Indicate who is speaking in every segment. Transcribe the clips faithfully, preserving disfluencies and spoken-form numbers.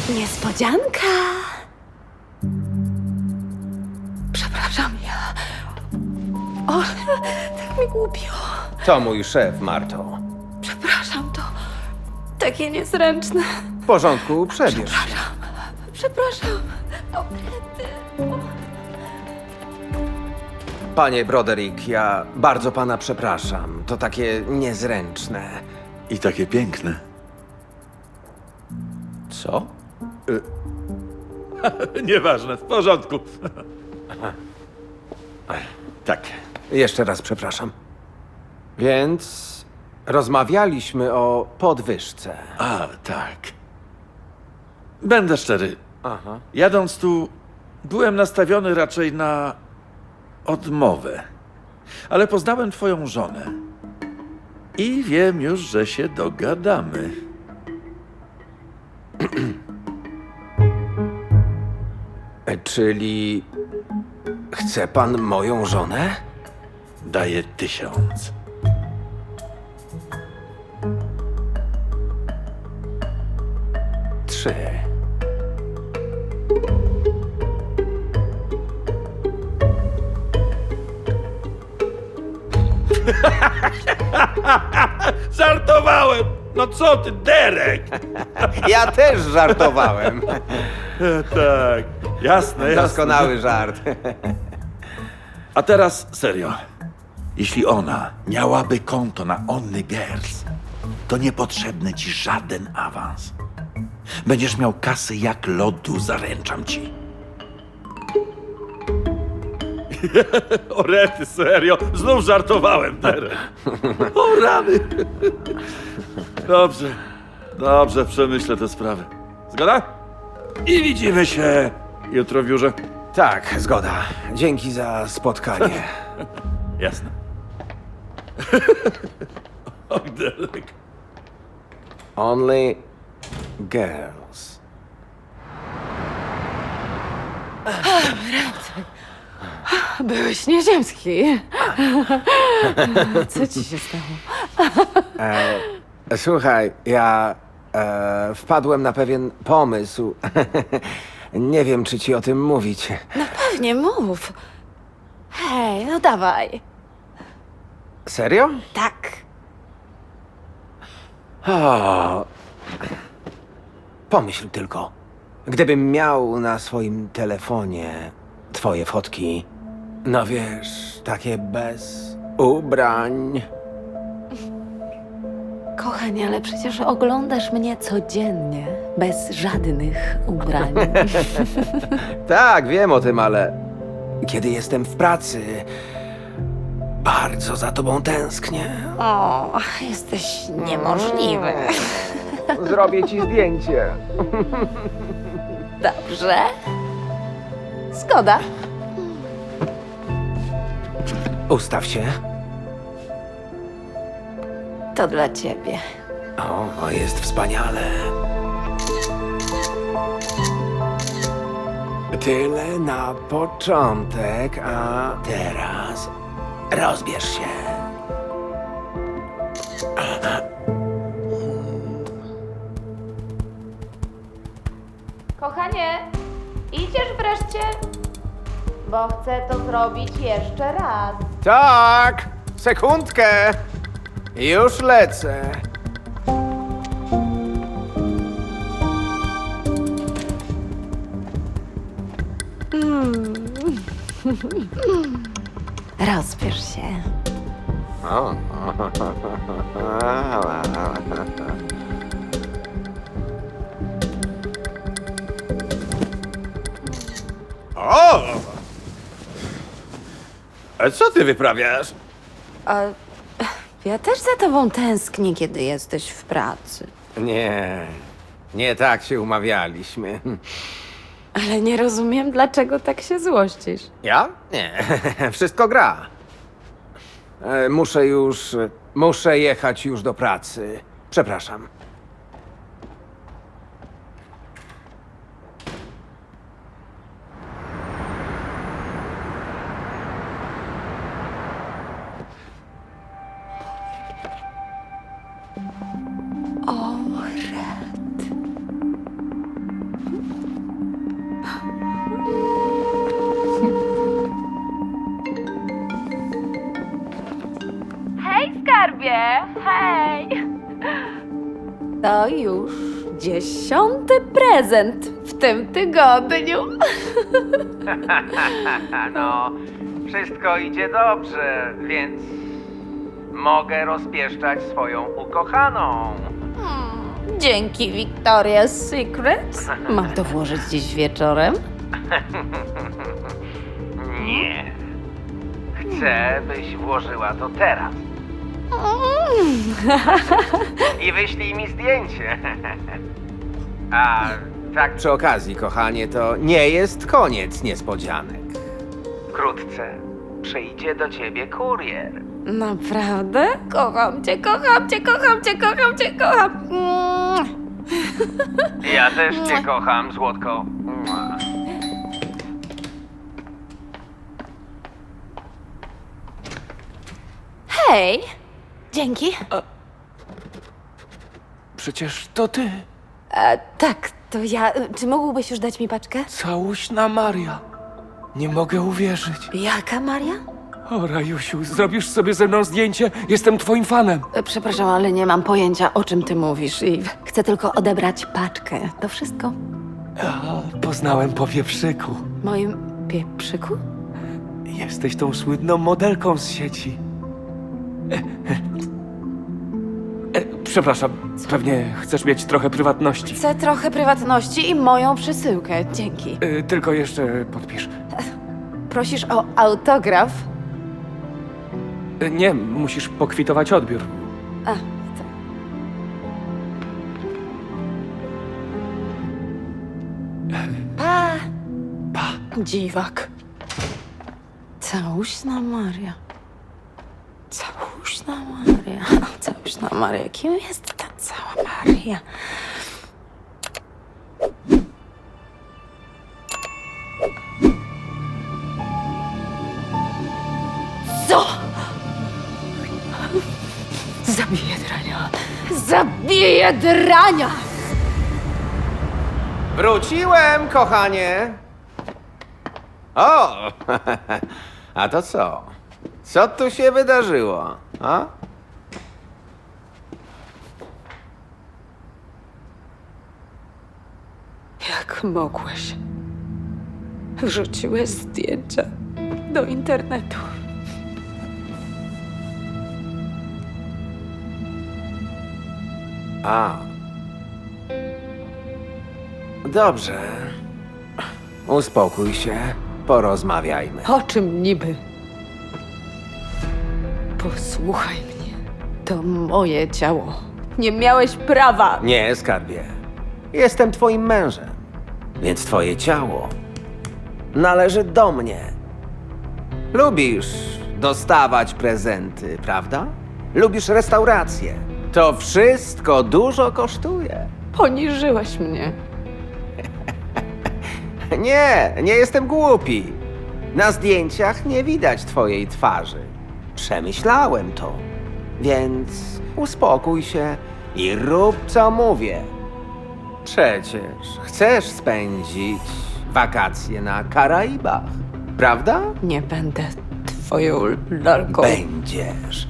Speaker 1: Niespodzianka. Przepraszam, ja... O, tak mi głupio.
Speaker 2: To mój szef, Marto.
Speaker 1: Przepraszam, to takie niezręczne.
Speaker 2: W porządku, przebierz się.
Speaker 1: Przepraszam. O, rety.
Speaker 2: Panie Broderick, ja bardzo pana przepraszam. To takie niezręczne.
Speaker 3: I takie piękne.
Speaker 2: Co?
Speaker 3: Nieważne, w porządku. Tak.
Speaker 2: Jeszcze raz przepraszam. Więc rozmawialiśmy o podwyżce.
Speaker 3: A, tak. Będę szczery.
Speaker 2: Aha.
Speaker 3: Jadąc tu, byłem nastawiony raczej na odmowę. Ale poznałem twoją żonę. I wiem już, że się dogadamy.
Speaker 2: Czyli chce pan moją żonę?
Speaker 3: Daję tysiąc.
Speaker 2: Trzy.
Speaker 3: Żartowałem! No co ty, Derek?
Speaker 2: Ja też żartowałem.
Speaker 3: Tak, jasne, jasne.
Speaker 2: Doskonały żart.
Speaker 3: A teraz serio. Jeśli ona miałaby konto na Only Girls, to niepotrzebny ci żaden awans. Będziesz miał kasy jak lodu, zaręczam ci. O rety, serio? Znów żartowałem, Derek. O rany. Dobrze, dobrze, przemyślę tę sprawę. Zgoda? I widzimy się jutro w biurze.
Speaker 2: Tak, zgoda. Dzięki za spotkanie.
Speaker 3: Jasne. O, Derek.
Speaker 2: Only girls.
Speaker 1: Byłeś nieziemski. Co ci się stało?
Speaker 2: Słuchaj, ja e, wpadłem na pewien pomysł. Nie wiem, czy ci o tym mówić.
Speaker 1: No pewnie, mów. Hej, no dawaj.
Speaker 2: Serio?
Speaker 1: Tak.
Speaker 2: O, pomyśl tylko. Gdybym miał na swoim telefonie twoje fotki, no wiesz, takie bez ubrań.
Speaker 1: Kochanie, ale przecież oglądasz mnie codziennie, bez żadnych ubrań.
Speaker 2: Tak, wiem o tym, ale kiedy jestem w pracy, bardzo za tobą tęsknię.
Speaker 1: O, jesteś niemożliwy.
Speaker 2: Zrobię ci zdjęcie.
Speaker 1: Dobrze. Zgoda.
Speaker 2: Ustaw się.
Speaker 1: To dla ciebie.
Speaker 2: O, jest wspaniale. Tyle na początek, a teraz rozbierz się.
Speaker 4: Kochanie, idziesz wreszcie? Bo chcę to zrobić jeszcze raz.
Speaker 2: Tak, sekundkę. Już lecę.
Speaker 1: Rozbierz się.
Speaker 2: O. O! A co ty wyprawiasz?
Speaker 1: A ja też za tobą tęsknię, kiedy jesteś w pracy.
Speaker 2: Nie, nie tak się umawialiśmy.
Speaker 1: Ale nie rozumiem, dlaczego tak się złościsz.
Speaker 2: Ja? Nie, wszystko gra. E, Muszę już, muszę jechać już do pracy. Przepraszam.
Speaker 4: Hej!
Speaker 1: To już dziesiąty prezent w tym tygodniu.
Speaker 2: No, wszystko idzie dobrze, więc mogę rozpieszczać swoją ukochaną.
Speaker 1: Dzięki Victoria's Secret. Mam to włożyć dziś wieczorem?
Speaker 2: Nie. Chcę, byś włożyła to teraz. I wyślij mi zdjęcie. A tak przy okazji, kochanie, to nie jest koniec niespodzianek. Wkrótce przyjdzie do ciebie kurier.
Speaker 1: Naprawdę? Kocham cię, kocham cię, kocham cię, kocham cię, kocham. Mm.
Speaker 2: Ja też cię kocham, złotko.
Speaker 1: Hej! Dzięki.
Speaker 5: Przecież to ty,
Speaker 1: E, tak, to ja. Czy mógłbyś już dać mi paczkę?
Speaker 5: całuśna Maria. Nie mogę uwierzyć.
Speaker 1: Jaka Maria?
Speaker 5: O, Rajusiu, zrobisz sobie ze mną zdjęcie? Jestem twoim fanem.
Speaker 1: E, Przepraszam, ale nie mam pojęcia, o czym ty mówisz i chcę tylko odebrać paczkę. To wszystko.
Speaker 5: A, poznałem po wieprzyku.
Speaker 1: Moim pieprzyku?
Speaker 5: Jesteś tą słynną modelką z sieci. E, e, e, przepraszam, pewnie chcesz mieć trochę prywatności.
Speaker 1: Chcę trochę prywatności i moją przesyłkę. Dzięki.
Speaker 5: E, tylko jeszcze podpisz.
Speaker 1: Prosisz o autograf?
Speaker 5: E, nie, musisz pokwitować odbiór.
Speaker 1: A, tak. Pa!
Speaker 5: Pa.
Speaker 1: Dziwak. Całuśna Maria. Całuśna Maria. Całuśna Maria. Kim jest ta cała Maria? Co? Zabiję drania. Zabiję drania!
Speaker 2: Wróciłem, kochanie. O! A to co? Co tu się wydarzyło? A?
Speaker 1: Jak mogłeś? Wrzuciłeś zdjęcia do internetu.
Speaker 2: A. Dobrze. Uspokój się. Porozmawiajmy.
Speaker 1: O czym niby? Posłuchaj mnie. To moje ciało. Nie miałeś prawa.
Speaker 2: Nie, skarbie. Jestem twoim mężem, więc twoje ciało należy do mnie. Lubisz dostawać prezenty, prawda? Lubisz restauracje. To wszystko dużo kosztuje.
Speaker 1: Poniżyłeś mnie.
Speaker 2: Nie, nie jestem głupi. Na zdjęciach nie widać twojej twarzy. Przemyślałem to. Więc uspokój się i rób co mówię. Przecież chcesz spędzić wakacje na Karaibach, prawda?
Speaker 1: Nie będę twoją lalką.
Speaker 2: Będziesz.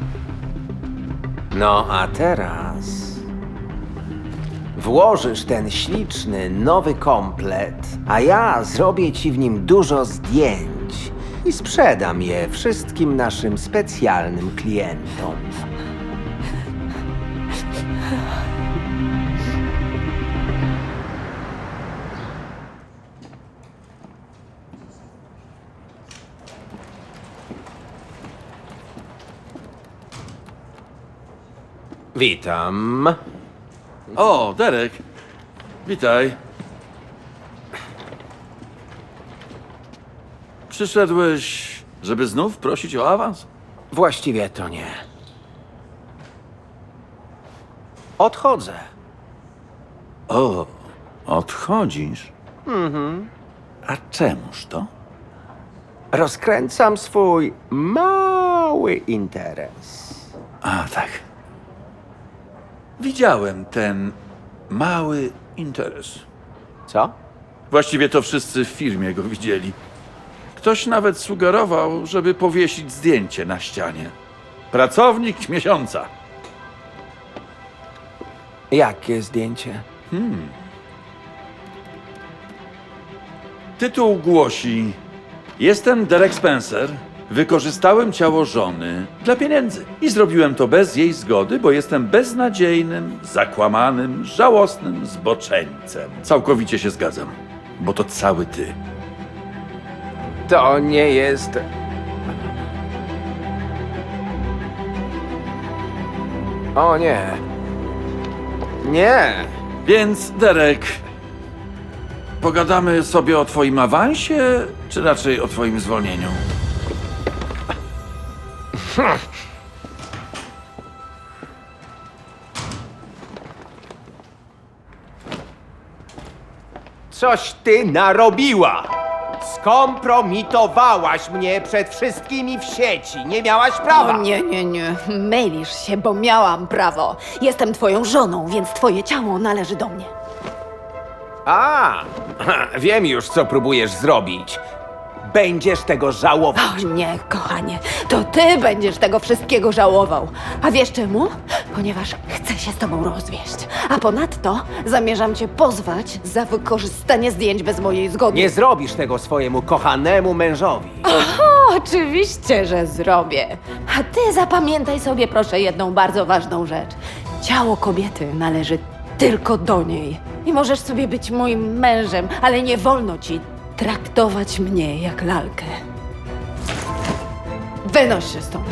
Speaker 2: No a teraz włożysz ten śliczny, nowy komplet, a ja zrobię ci w nim dużo zdjęć i sprzedam je wszystkim naszym specjalnym klientom. Witam.
Speaker 3: O, Derek. Witaj. Przyszedłeś, żeby znów prosić o awans?
Speaker 2: Właściwie to nie. Odchodzę.
Speaker 3: O, odchodzisz? Mhm. A czemuż to?
Speaker 2: Rozkręcam swój mały interes.
Speaker 3: A, tak. Widziałem ten mały interes.
Speaker 2: Co?
Speaker 3: Właściwie to wszyscy w firmie go widzieli. Ktoś nawet sugerował, żeby powiesić zdjęcie na ścianie. Pracownik miesiąca.
Speaker 2: Jakie zdjęcie?
Speaker 3: Tytuł głosi: Jestem Derek Spencer. Wykorzystałem ciało żony dla pieniędzy. I zrobiłem to bez jej zgody, bo jestem beznadziejnym, zakłamanym, żałosnym zboczeńcem. Całkowicie się zgadzam, bo to cały ty.
Speaker 2: To nie jest... O nie. Nie.
Speaker 3: Więc, Derek, pogadamy sobie o twoim awansie, czy raczej o twoim zwolnieniu?
Speaker 2: Coś ty narobiła! Skompromitowałaś mnie przed wszystkimi w sieci. Nie miałaś prawa.
Speaker 1: O nie, nie, nie. Mylisz się, bo miałam prawo. Jestem twoją żoną, więc twoje ciało należy do mnie.
Speaker 2: A, wiem już, co próbujesz zrobić. Będziesz tego żałować.
Speaker 1: O nie, kochanie, to ty będziesz tego wszystkiego żałował. A wiesz czemu? Ponieważ chcę się z tobą rozwieść. A ponadto zamierzam cię pozwać za wykorzystanie zdjęć bez mojej zgody.
Speaker 2: Nie zrobisz tego swojemu kochanemu mężowi.
Speaker 1: O, oczywiście, że zrobię. A ty zapamiętaj sobie proszę jedną bardzo ważną rzecz. Ciało kobiety należy tylko do niej. I możesz sobie być moim mężem, ale nie wolno ci traktować mnie jak lalkę. Wynoś się stąd.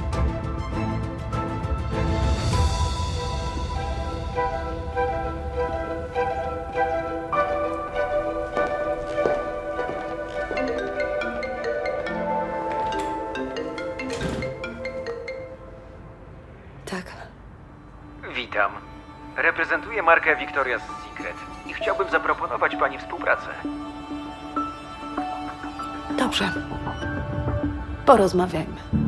Speaker 1: Tak.
Speaker 6: Witam. Reprezentuję markę Victoria's Secret i chciałbym zaproponować pani współpracę.
Speaker 1: Dobrze. Porozmawiajmy.